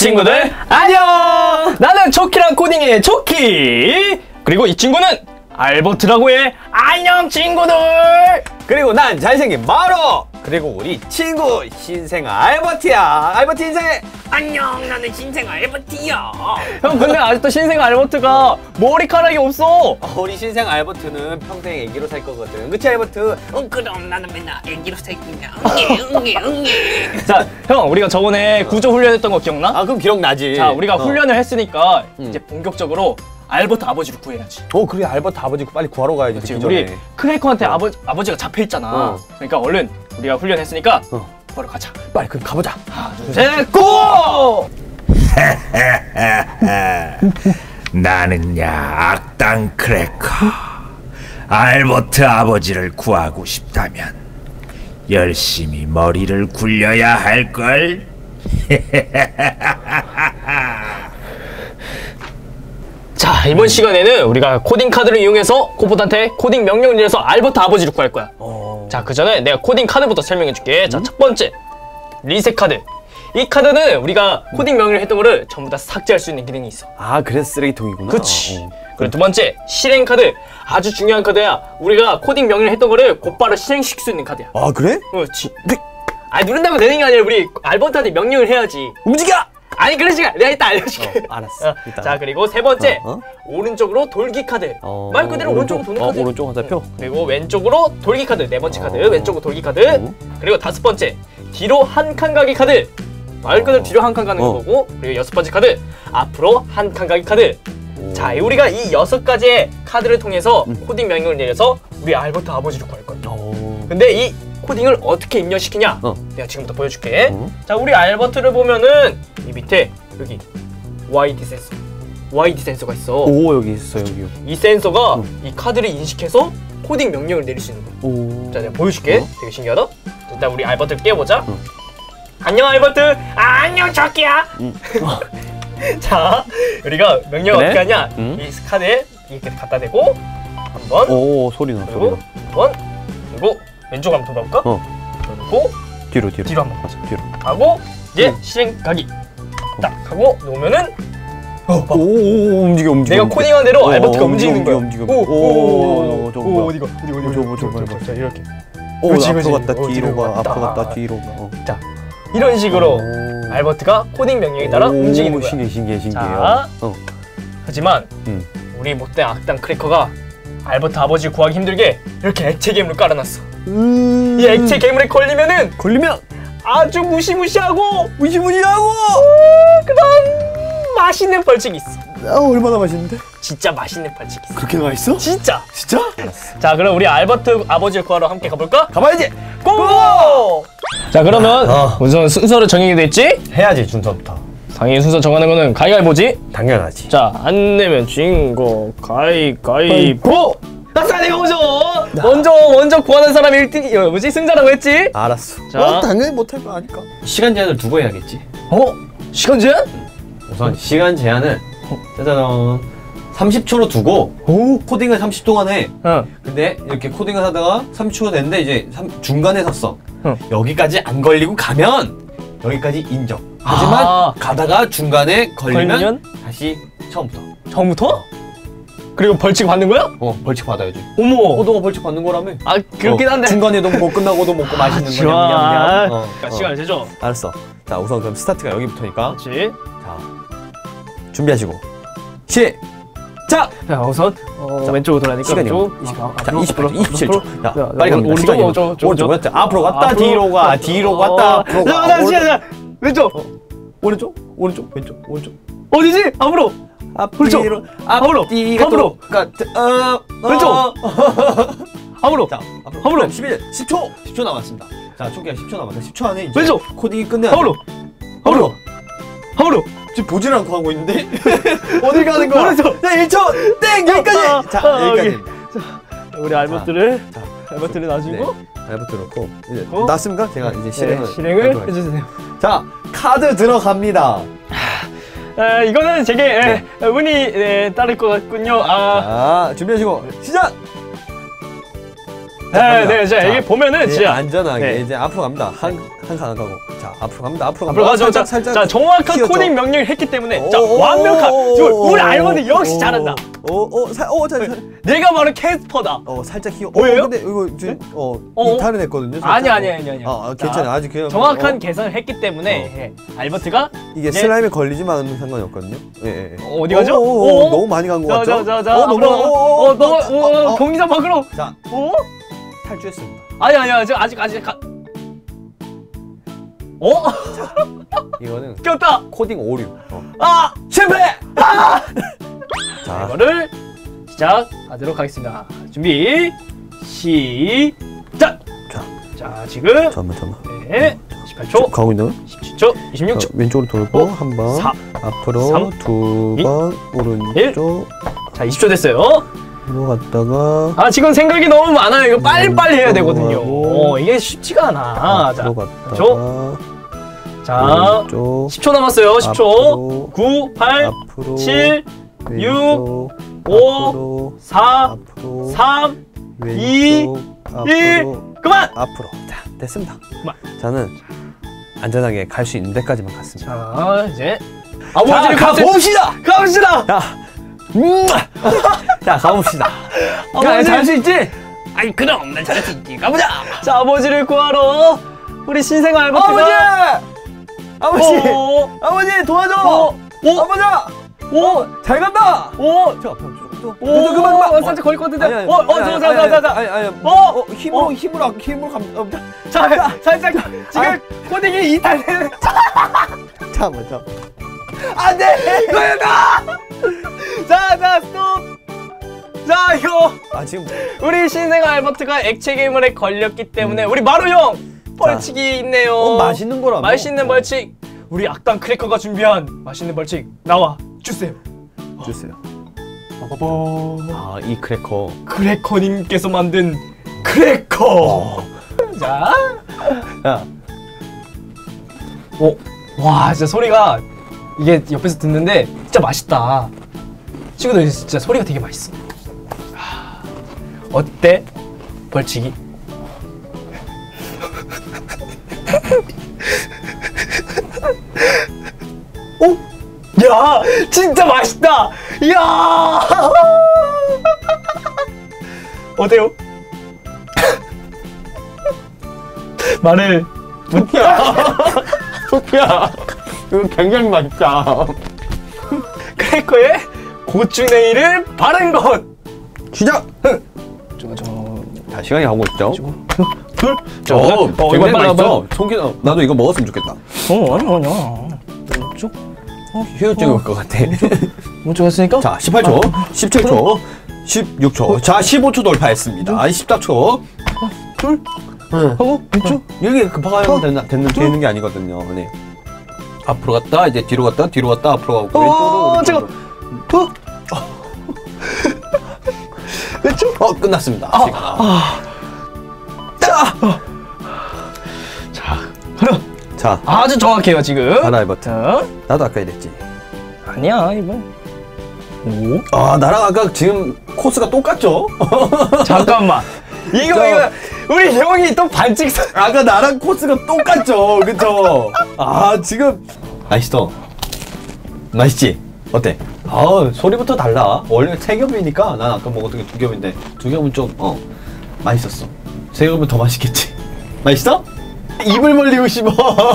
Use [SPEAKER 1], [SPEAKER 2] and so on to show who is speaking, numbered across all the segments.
[SPEAKER 1] 친구들 안녕! 나는 초키랑 코딩의 초키! 그리고 이 친구는 알버트라고 해. 안녕 친구들!
[SPEAKER 2] 그리고 난 잘생긴 마로! 그리고 우리 친구 신생 알버트야. 알버트 인사해.
[SPEAKER 3] 안녕, 나는 신생 알버트야.
[SPEAKER 1] 형 근데 아직도 신생 알버트가 머리카락이 없어.
[SPEAKER 2] 우리 신생 알버트는 평생 애기로 살 거거든. 그치 알버트?
[SPEAKER 3] 그럼 나는 맨날 애기로 살 거냐. 응애.
[SPEAKER 1] 자, 형 우리가 저번에 구조 훈련했던 거 기억나?
[SPEAKER 2] 아 그럼 기억나지.
[SPEAKER 1] 자, 우리가 훈련을 했으니까 이제 본격적으로 알버트 아버지를 구해야지.
[SPEAKER 2] 그래 알버트 아버지 빨리 구하러 가야지.
[SPEAKER 1] 그치, 우리 크래커한테 아버지가 잡혀있잖아. 그러니까 얼른 우리가 훈련했으니까 바로 가자.
[SPEAKER 2] 빨리 그럼 가보자.
[SPEAKER 1] 하나 둘 셋 고!
[SPEAKER 4] 나는야 악당 크래커. 알버트 아버지를 구하고 싶다면 열심히 머리를 굴려야 할걸.
[SPEAKER 1] 자, 이번 시간에는 우리가 코딩 카드를 이용해서 코보드한테 코딩 명령을 내려서 알버트 아버지를 구할 거야. 자, 그 전에 내가 코딩 카드부터 설명해 줄게. 자, 첫 번째 리셋 카드. 이 카드는 우리가 코딩 명령을 했던 거를 전부 다 삭제할 수 있는 기능이 있어.
[SPEAKER 2] 아 그래서 쓰레기통이구나.
[SPEAKER 1] 그치. 그리고 두 번째 실행 카드. 아주 중요한 카드야. 우리가 코딩 명령을 했던 거를 곧바로 실행시킬 수 있는 카드야.
[SPEAKER 2] 아 그래?
[SPEAKER 1] 그렇지. 아니 누른다고 되는 게 아니라 우리 알버트한테 명령을 해야지.
[SPEAKER 2] 움직여!
[SPEAKER 1] 아니 그러지 마. 내가 이따 알려줄게.
[SPEAKER 2] 알았어.
[SPEAKER 1] 자, 그리고 세 번째 오른쪽으로 돌기 카드. 말 그대로 오른쪽으로 도는 카드.
[SPEAKER 2] 오른쪽 화살표.
[SPEAKER 1] 그리고 왼쪽으로 돌기 카드. 네 번째 카드. 왼쪽으로 돌기 카드. 그리고 다섯 번째 뒤로 한 칸 가기 카드. 말 그대로 뒤로 한 칸 가는 거고. 그리고 여섯 번째 카드 앞으로 한 칸 가기 카드. 자, 우리가 이 6가지의 카드를 통해서 코딩 명령을 내려서 우리 알버트 아버지를 구할 거야. 근데 이 코딩을 어떻게 입력시키냐? 내가 지금부터 보여줄게. 자, 우리 알버트를 보면은 이 밑에 여기 YD 센서가 있어.
[SPEAKER 2] 오 여기 있어 여기.
[SPEAKER 1] 이 센서가 이 카드를 인식해서 코딩 명령을 내릴 수 있는 거야. 자, 내가 보여줄게. 되게 신기하다. 일단 우리 알버트를 깨워보자. 안녕 알버트.
[SPEAKER 3] 안녕, 초키야.
[SPEAKER 1] 자, 우리가 명령
[SPEAKER 2] 그래?
[SPEAKER 1] 어떻게 하냐? 이 카드에 이렇게 갖다 대고 한 번,
[SPEAKER 2] 오 소리 나.
[SPEAKER 1] 그리고 두 번, 그리고 왼쪽 한번 돌아볼까? 그리고
[SPEAKER 2] 뒤로
[SPEAKER 1] 한번 가자.
[SPEAKER 2] 뒤로.
[SPEAKER 1] 하고 이제 실행 가기 딱 하고 놓으면은
[SPEAKER 2] 오 움직여.
[SPEAKER 1] 내가 코딩한 대로 알버트가 움직이는 거야.
[SPEAKER 2] 움직여.
[SPEAKER 1] 오,
[SPEAKER 2] 저거
[SPEAKER 1] 어디가?
[SPEAKER 2] 저거.
[SPEAKER 1] 자, 이렇게.
[SPEAKER 2] 오
[SPEAKER 1] 그렇지,
[SPEAKER 2] 앞으로
[SPEAKER 1] 그렇지.
[SPEAKER 2] 갔다 뒤로 가.
[SPEAKER 1] 갔다.
[SPEAKER 2] 앞으로 갔다 뒤로 가.
[SPEAKER 1] 자, 이런 식으로 알버트가 코딩 명령에 따라 움직이는 거야.
[SPEAKER 2] 신기해.
[SPEAKER 1] 자, 하지만 우리 못된 악당 크래커가 알버트 아버지 구하기 힘들게 이렇게 액체 괴물을 깔아놨어. 이 액체 괴물에 걸리면 아주 무시무시하고 그런 맛있는 벌칙이 있어.
[SPEAKER 2] 얼마나 맛있는데?
[SPEAKER 1] 진짜 맛있는 벌칙이 있어.
[SPEAKER 2] 그렇게 맛있어?
[SPEAKER 1] 진짜.
[SPEAKER 2] 알았어.
[SPEAKER 1] 자, 그럼 우리 알버트 아버지를 구하러 함께 가볼까?
[SPEAKER 2] 가봐야지.
[SPEAKER 1] 고고! 자, 그러면 우선 순서를 정해야 됐지?
[SPEAKER 2] 해야지 준서부터.
[SPEAKER 1] 당연히 순서 정하는 거는 가위가위보지?
[SPEAKER 2] 당연하지.
[SPEAKER 1] 자, 안 내면 진 거 가위가위보! 아싸, 내가 먼저 구하는 사람이 1등, 승자라고 했지?
[SPEAKER 2] 알았어.
[SPEAKER 1] 자.
[SPEAKER 2] 당연히 못할 거 아니까.
[SPEAKER 5] 시간 제한을 두고 해야겠지.
[SPEAKER 1] 시간 제한?
[SPEAKER 5] 우선 시간 제한을 짜잔 30초로 두고 코딩을 30초 동안 해. 근데 이렇게 코딩을 하다가 30초가 됐는데 이제 중간에 섰어. 여기까지 안 걸리고 가면 여기까지 인정. 하지만 가다가 중간에 걸리면 다시 처음부터.
[SPEAKER 1] 그리고 벌칙 받는 거야?
[SPEAKER 5] 벌칙 받아야지.
[SPEAKER 1] 어머!
[SPEAKER 5] 너가 벌칙 받는 거라며.
[SPEAKER 1] 아, 그렇긴 한데.
[SPEAKER 2] 중간에도 먹고 끝나고도 먹고 맛있는 거
[SPEAKER 1] 좋아.
[SPEAKER 2] 냠냠냠.
[SPEAKER 1] 그러니까 시간을 재줘.
[SPEAKER 2] 알았어. 자 우선 그럼 스타트가 여기부터니까.
[SPEAKER 1] 그렇지.
[SPEAKER 2] 자 준비하시고 시작.
[SPEAKER 1] 자, 우선 왼쪽으로 돌아니까
[SPEAKER 2] 시간이 자 27초. 자 빨리 갑니다. 시간이 오른쪽 앞으로 갔다 뒤로 갔다 앞으로 가.
[SPEAKER 1] 왼쪽.
[SPEAKER 2] 오른쪽.
[SPEAKER 1] 어디지? 앞으로.
[SPEAKER 2] 앞으로
[SPEAKER 1] 앞으로. 왼쪽. 앞으로.
[SPEAKER 2] 자 앞으로 10초 남았습니다. 자 초기가 10초 남았다. 10초 안에 이제
[SPEAKER 1] 왼쪽.
[SPEAKER 2] 코딩이 끝내야
[SPEAKER 1] 앞으로.
[SPEAKER 2] 지금 보질 않고 하고 있는데 어디 가는 거야?
[SPEAKER 1] 오른쪽.
[SPEAKER 2] 자 1초 땡 여기까지. 자 여기까지.
[SPEAKER 1] 우리 알버트를 놔주고
[SPEAKER 2] 알버트 넣고 이제 놨습니까? 제가 이제
[SPEAKER 1] 실행을 해주세요.
[SPEAKER 2] 자 카드 들어갑니다.
[SPEAKER 1] 이거는 제게 운이 따를 것 같군요.
[SPEAKER 2] 자 준비하시고 시작.
[SPEAKER 1] 네, 자, 이게 보면은 진짜
[SPEAKER 5] 안전하게
[SPEAKER 1] 네.
[SPEAKER 5] 이제 앞으로 갑니다. 한 칸 안 가고. 자, 앞으로 갑니다. 앞으로
[SPEAKER 1] 앞으로 가죠. 자, 정확한
[SPEAKER 5] 휘어져.
[SPEAKER 1] 코딩 명령을 했기 때문에 자, 완벽한. 우리 알버드 역시 잘한다. 내가 바로 캐스퍼다.
[SPEAKER 5] 살짝 휘어.
[SPEAKER 1] 보여요?
[SPEAKER 5] 근데 이거 지금
[SPEAKER 1] 어?
[SPEAKER 5] 이탈은 했거든요.
[SPEAKER 1] 아니.
[SPEAKER 5] 괜찮아. 아직 그냥
[SPEAKER 1] 정확한 계산을 했기 때문에 예, 알버트가
[SPEAKER 5] 이게
[SPEAKER 1] 이제-
[SPEAKER 5] 슬라임에 걸리지만 않으면 상관이 없거든요. 예.
[SPEAKER 1] 어디 가죠?
[SPEAKER 5] 너무 많이 간 것 같죠?
[SPEAKER 1] 자, 너무 공기장 밖으로.
[SPEAKER 5] 자,
[SPEAKER 1] 어?
[SPEAKER 5] 탈주했습니다.
[SPEAKER 1] 아니야, 지금 아직
[SPEAKER 5] 이거는
[SPEAKER 1] 꼈다.
[SPEAKER 5] 코딩 오류.
[SPEAKER 1] 실패.
[SPEAKER 5] 자,
[SPEAKER 1] 이거를 시작하도록 하겠습니다. 준비 시작. 자, 지금
[SPEAKER 5] 잠깐만.
[SPEAKER 1] 네, 18초,
[SPEAKER 5] 가고 있나요?
[SPEAKER 1] 17초, 26초.
[SPEAKER 5] 왼쪽으로 돌고
[SPEAKER 1] 오,
[SPEAKER 5] 한 번,
[SPEAKER 1] 4,
[SPEAKER 5] 앞으로
[SPEAKER 1] 3,
[SPEAKER 5] 두 번, 오른쪽
[SPEAKER 1] 자, 20초 됐어요.
[SPEAKER 5] 들어갔다가
[SPEAKER 1] 지금 생각이 너무 많아요. 이거 빨리빨리 해야 되거든요.
[SPEAKER 5] 들어가고.
[SPEAKER 1] 이게 쉽지가 않아. 자,
[SPEAKER 5] 들어갔다가
[SPEAKER 1] 자,
[SPEAKER 5] 오른쪽
[SPEAKER 1] 10초 남았어요. 10초.
[SPEAKER 5] 앞으로,
[SPEAKER 1] 9, 8,
[SPEAKER 5] 앞으로
[SPEAKER 1] 7,
[SPEAKER 5] 왼쪽,
[SPEAKER 1] 5,
[SPEAKER 5] 앞으로,
[SPEAKER 1] 4,
[SPEAKER 5] 앞으로
[SPEAKER 1] 3,
[SPEAKER 5] 왼쪽,
[SPEAKER 1] 1,
[SPEAKER 5] 앞으로
[SPEAKER 1] 그만!
[SPEAKER 5] 앞으로. 자, 됐습니다.
[SPEAKER 1] 그만.
[SPEAKER 5] 저는 안전하게 갈 수 있는 데까지만 갔습니다.
[SPEAKER 1] 자, 이제 아버지를
[SPEAKER 5] 가봅시다.
[SPEAKER 1] 가봅시다.
[SPEAKER 5] 자, 가봅시다.
[SPEAKER 1] 아버지
[SPEAKER 5] 잘수 있지?
[SPEAKER 3] 아이 그럼 난 잘할 수 있지. 가보자.
[SPEAKER 1] 자, 아버지를 구하러 우리 신생 알버트가
[SPEAKER 5] 아버지!
[SPEAKER 1] 어,
[SPEAKER 5] 아버지 도와줘! 아버지! 잘 간다! 그만.
[SPEAKER 1] 살짝 걸릴 것 같은데.
[SPEAKER 5] 아니, 힘으로 갑니다.
[SPEAKER 1] 자, 살짝 지금 코딩이 이탈되는.
[SPEAKER 5] 잠깐만.
[SPEAKER 1] 안돼. 자, 스톱. 자, 이거
[SPEAKER 5] 지금
[SPEAKER 1] 우리 신생 알버트가 액체 괴물에 걸렸기 때문에 우리 마루 형 벌칙이 있네요.
[SPEAKER 5] 맛있는 거라.
[SPEAKER 1] 맛있는 벌칙. 우리 악당 크래커가 준비한 맛있는 벌칙 나와 주세요.
[SPEAKER 5] 주세요.
[SPEAKER 1] 빠바바.
[SPEAKER 5] 이 크래커.
[SPEAKER 1] 크래커님께서 만든 크래커. 자,
[SPEAKER 5] 야,
[SPEAKER 1] 와, 진짜 소리가 이게 옆에서 듣는데 진짜 맛있다. 친구들 진짜 소리가 되게 맛있어. 어때? 벌칙이? 야, 진짜 맛있다. 야, 어때요? 말을
[SPEAKER 5] 소피야, 이거 굉장히 맛있다.
[SPEAKER 1] 크래커에 고추냉이를 바른 것.
[SPEAKER 5] 시작. 자, 시간이 가고 있죠.
[SPEAKER 1] 둘.
[SPEAKER 5] 굉장히 맛있어. 송기는 나도 이거 먹었으면 좋겠다.
[SPEAKER 1] 아니야. 쭉.
[SPEAKER 5] 휴유증이 올 것 같아.
[SPEAKER 1] 못 죽었으니까?
[SPEAKER 5] 자, 18초, 17초, 16초. 자, 15초 돌파했습니다. 14초.
[SPEAKER 1] 둘. 하고 왼쪽.
[SPEAKER 5] 여기 급하게 되는 게 아니거든요. 네. 앞으로 갔다, 이제 뒤로 갔다, 앞으로 가고 왼쪽으로.
[SPEAKER 1] 잠깐.
[SPEAKER 5] 왼쪽. 끝났습니다. 자,
[SPEAKER 1] 아주 정확해요 지금.
[SPEAKER 5] 하나 알버트.
[SPEAKER 1] 자,
[SPEAKER 5] 나도 아까 이랬지.
[SPEAKER 1] 아니야 이번. 오.
[SPEAKER 5] 나랑 아까 지금 코스가 똑같죠?
[SPEAKER 1] 잠깐만. 이거 우리 형이 또 반칙.
[SPEAKER 5] 아까 나랑 코스가 똑같죠? 그쵸? 지금 맛있어. 맛있지? 어때? 소리부터 달라. 원래 3겹이니까 난 아까 먹었던 게 2겹인데 2겹은 좀 맛있었어. 3겹은 더 맛있겠지? 맛있어? 입을 벌리고 싶어.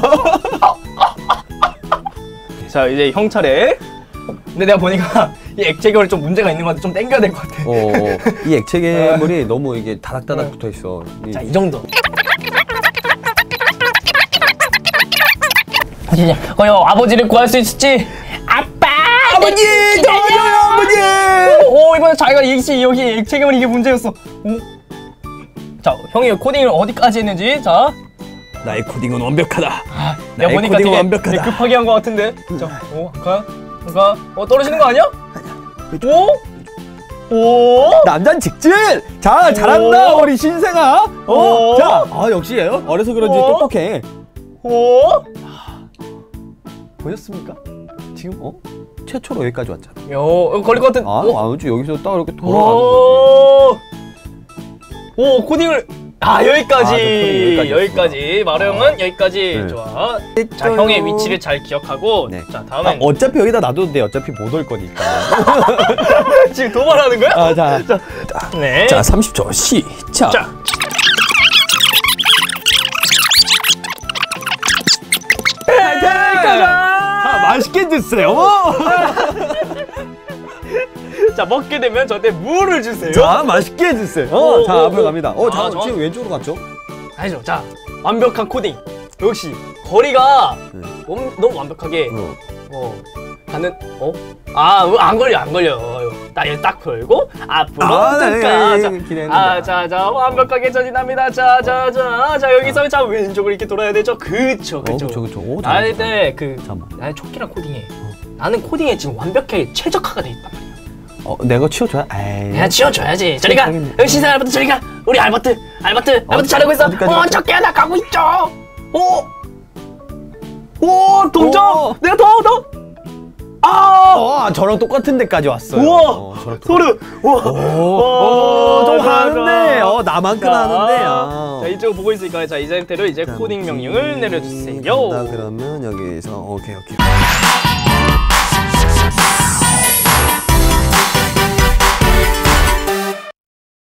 [SPEAKER 1] 자, 이제 형 차례. 근데 내가 보니까 이 액체 결이 좀 문제가 있는 것 같아. 좀 당겨야 될 것 같아.
[SPEAKER 5] 이 액체 괴물이 너무 이게 다닥다닥 붙어 있어.
[SPEAKER 1] 자, 이 정도. 아버지를 구할 수 있을지. 아빠!
[SPEAKER 5] 아버지! 도와줘요, 아버지!
[SPEAKER 1] 이번에 자기가 여기 액체 괴물 이게 문제였어. 자, 형이 코딩을 어디까지 했는지. 자,
[SPEAKER 5] 나의 코딩은 완벽하다.
[SPEAKER 1] 내가 보니까 되게 급하게 한 것 같은데. 자, 떨어지는 거 아니야? 오?
[SPEAKER 5] 남잔 직진! 자, 잘한다, 우리 신생아! 자, 역시 어려서 그런지 똑똑해. 보셨습니까? 지금, 최초로 여기까지 왔잖아.
[SPEAKER 1] 걸릴 것 같은.
[SPEAKER 5] 아니지, 여기서 딱 이렇게 돌아가는 거지.
[SPEAKER 1] 오 코딩을 여기까지.
[SPEAKER 2] 코딩
[SPEAKER 1] 여기까지. 마루 형은 여기까지.
[SPEAKER 2] 네.
[SPEAKER 1] 좋아. 자 형의 위치를 잘 기억하고.
[SPEAKER 2] 네.
[SPEAKER 1] 자 다음엔
[SPEAKER 2] 어차피 여기다 놔둬도 돼. 어차피 못 올 거니까.
[SPEAKER 1] 지금 도발하는 거야?
[SPEAKER 2] 자,
[SPEAKER 1] 네.
[SPEAKER 2] 자 30초 시작.
[SPEAKER 1] 자.
[SPEAKER 2] 자, 맛있게 드세요.
[SPEAKER 1] 자 먹게 되면 저한테 물을 주세요.
[SPEAKER 2] 자, 맛있게 드세요. 자, 앞으로 갑니다.
[SPEAKER 1] 자,
[SPEAKER 2] 지금 왼쪽으로 갔죠?
[SPEAKER 1] 아니죠. 자 완벽한 코딩. 역시 거리가 너무 완벽하게 가는 안 걸려. 딱 걸고 앞으로 자 완벽하게 전진합니다. 자 여기서 자 왼쪽으로 이렇게 돌아야 되죠. 그쵸.
[SPEAKER 2] 오,
[SPEAKER 1] 나할 때
[SPEAKER 2] 잠깐만.
[SPEAKER 1] 나는 초키랑 코딩해. 나는 코딩에 지금 완벽하게 최적화가 돼 있단 말이야.
[SPEAKER 2] 내가 치워줘야?
[SPEAKER 1] 내가 치워줘야지. 저리가 신사 알버트 저리가. 우리 알버트 잘하고 있어. 초키 하나 가고 있죠. 오 동점. 내가 더
[SPEAKER 2] 저랑 똑같은 데까지 왔어요.
[SPEAKER 1] 우와 소름.
[SPEAKER 2] 좀 하는데 나만큼 하는데.
[SPEAKER 1] 자 이쪽 보고 있으니까 자 이 상태로 이제 코딩 명령을 내려주세요.
[SPEAKER 2] 그러면 여기서 오케이